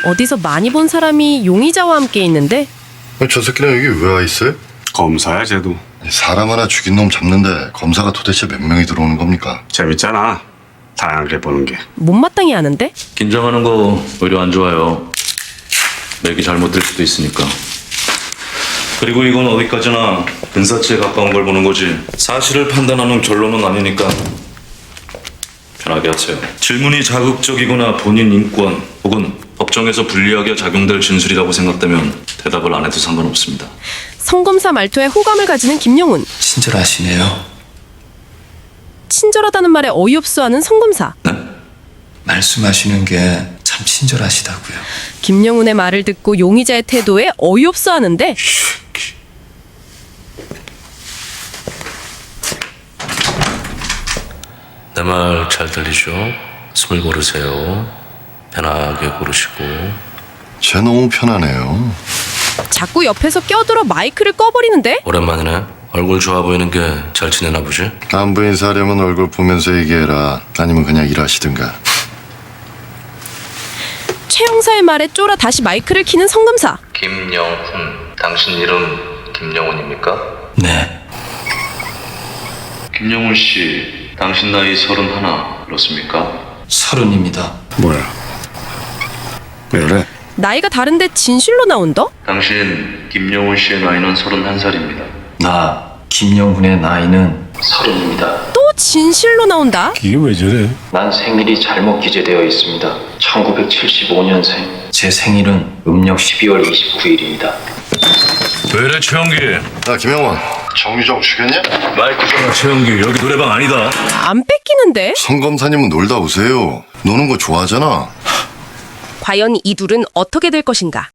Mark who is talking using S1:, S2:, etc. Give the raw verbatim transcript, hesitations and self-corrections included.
S1: 어디서 많이 본 사람이 용의자와 함께 있는데
S2: 저 새끼는 여기 왜 와 있어요?
S3: 검사야 쟤도.
S2: 사람 하나 죽인 놈 잡는데 검사가 도대체 몇 명이 들어오는 겁니까?
S3: 재밌잖아. 다양하게 보는 게.
S1: 못마땅해 하는데
S4: 긴장하는 거 오히려 안 좋아요. 맥이 잘못될 수도 있으니까. 그리고 이건 어디까지나 근사치에 가까운 걸 보는 거지 사실을 판단하는 결론은 아니니까 편하게 하세요. 질문이 자극적이거나 본인 인권 혹은 법정에서 불리하게 작용될 진술이라고 생각되면 대답을 안 해도 상관없습니다.
S1: 성검사 말투에 호감을 가지는 김용훈.
S5: 친절하시네요.
S1: 친절하다는 말에 어이없어하는 성검사.
S4: 네?
S5: 말씀하시는 게 참 친절하시다고요.
S1: 김용훈의 말을 듣고 용의자의 태도에 어이없어하는데
S6: 내 말 잘 들리죠? 숨을 고르세요. 편하게 고르시고.
S2: 쟤 너무 편하네요.
S1: 자꾸 옆에서 껴들어 마이크를 꺼버리는데
S6: 오랜만이네. 얼굴 좋아 보이는 게 잘 지내나 보지?
S2: 안부 인사하려면 얼굴 보면서 얘기해라. 아니면 그냥 일하시든가.
S1: 최 형사의 말에 쫄아 다시 마이크를 켜는 성검사.
S6: 김영훈. 당신 이름 김영훈입니까?
S5: 네.
S4: 김영훈 씨, 당신 나이 서른하나 그렇습니까?
S5: 서른입니다.
S3: 뭐야? 왜 그래?
S1: 나이가 다른데 진실로 나온다?
S4: 당신 김영훈 씨의 나이는 서른한 살입니다.
S5: 나 김영훈의 나이는 서른입니다.
S1: 또 진실로 나온다?
S3: 이게 왜 저래?
S5: 난 생일이 잘못 기재되어 있습니다. 천구백칠십오 년생. 제 생일은 음력 십이월 이십구일입니다.
S4: 왜 이래 최영기?
S2: 야 김영원, 정유정 죽였냐?
S4: 마이크 전화 최영기 여기 노래방 아니다.
S1: 안 뺏기는데?
S2: 성검사님은 놀다 오세요. 노는 거 좋아하잖아.
S1: 과연 이 둘은 어떻게 될 것인가?